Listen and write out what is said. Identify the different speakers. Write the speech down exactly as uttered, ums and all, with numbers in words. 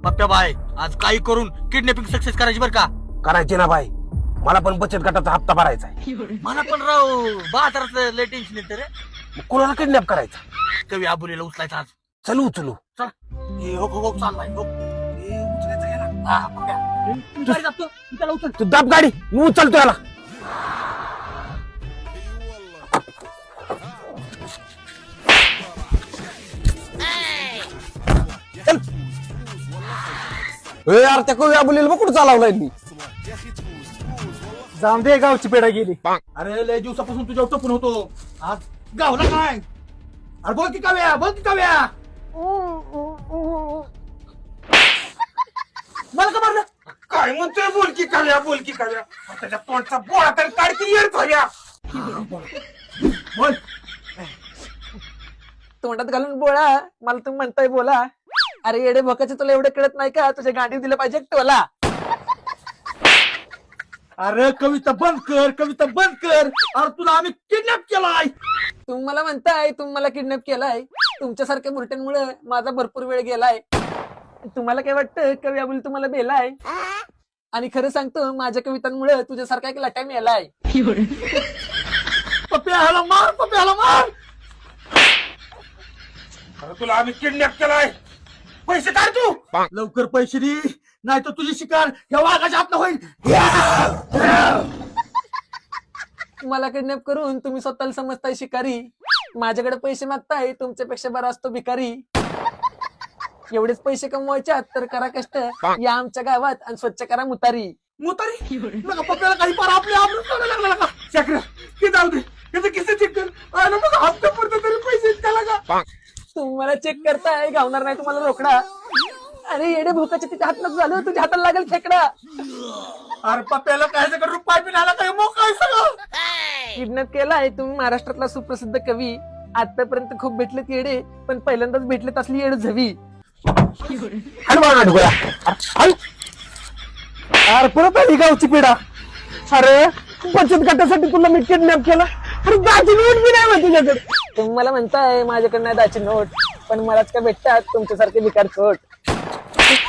Speaker 1: पप्प्या bye आज काही करून किडनॅपिंग सक्सेस करायची बरं का?
Speaker 2: करायची ना बाई, मला पण बचत गटाचा हप्ता भरायचा आहे.
Speaker 1: मला पण राव बाजाराचं लय टेन्शन येतं रे.
Speaker 2: मग कोणाला किडनॅप करायचा?
Speaker 1: कवी आबुलीला उचलायचा आज.
Speaker 2: चलू उचलू.
Speaker 1: चल हे हो हो हो चाललाय हो. हे उचलायचं याला. हा पप्प्या तू गाडी जातो तू त्याला उचल.
Speaker 2: तू दाब गाडी, मी उचलतो याला. चल. ए यार त्या कवी आबुलीला बघ कुठं चालवलाय मी.
Speaker 3: जाऊन दे, गावची पेढा गेली.
Speaker 1: अरे लय दिवसापासून तुझ्या टपून होतो, आज गावला काय? अरे बोल की काव्या, बोल की काव्या. मला का मारलं?
Speaker 2: काय म्हणतोय बोल की काव्या, बोल की काव्या. त्याच्या तोंडचा बोळा तर काढती येत काव्या.
Speaker 1: बोल.
Speaker 3: तोंडात घालून बोळा, मला तुम्ही म्हणताय बोला. अरे येडे भोकाचे, तुला एवढं कळत नाही का? तुझ्या गांडी दिलं पाहिजे टोला.
Speaker 1: अरे कविता बंद कर, कविता बंद कर. अरे तुला आम्ही किडनॅप केलाय.
Speaker 3: तुम्ही मला म्हणताय तुम्ही मला किडनॅप केलाय. तुमच्यासारख्या बुरट्यांमुळे माझा भरपूर वेळ गेलाय. तुम्हाला काय वाटतं कवी अबुल तुम्हाला बेलाय? आणि खरं सांगतो, माझ्या कवितांमुळे तुझ्यासारखा एक लटा मेलाय.
Speaker 1: पप्प्या ह्याला मार, पप्प्या ह्याला मार.
Speaker 2: अरे तुला आम्ही किडनॅप केलाय, पैसे काढ तू.
Speaker 1: लवकर पैसे दे, नाही तर तुझी शिकार या वाघाच्या हातनं होईल.
Speaker 3: मला किडनॅप करून तुम्ही स्वतःला समजताय शिकारी. माझ्याकडे पैसे मागताय, तुमच्यापेक्षा बरा असतो भिकारी. एवढेच पैसे कमवायच्यात तर करा कष्ट, या आमच्या गावात आणि स्वच्छ करा मुतारी.
Speaker 1: मुतारी नका पप्प्याला काही पार आपल्या आबरूच काढायला लागला नका. चक्र की जाऊ दे, त्याचं किस्से चेक कर. आणि मग हप्ता पुरता तरी पैसे त्याला का?
Speaker 3: तुम्ही मला चेक करताय, गावणार नाही तुम्हाला रोकडा. अरे येडे भोकाचे, तिच्या हातात झालं, तुझ्या हाताला लागेल खेकडा.
Speaker 1: अरे पप्प्याला काय सगळं रुपये बी आला काय मग काय सगळं?
Speaker 3: किडनॅप केलाय तुम्ही महाराष्ट्रातला सुप्रसिद्ध कवी. आतापर्यंत खूप भेटलेत येडे, पण पहिल्यांदाच भेटलेत असली येड झवी.
Speaker 2: अरे परत आली गावची पिढा. अरे बचत गटासाठी तुला मी किडनॅप केला. अरे दाची नोट बी नाही माहिती तुझ्याकडे.
Speaker 3: तुम्ही मला म्हणताय माझ्याकडे नाही दाची नोट, पण मलाच काय भेटतात तुमच्यासारखे भिकार खोट.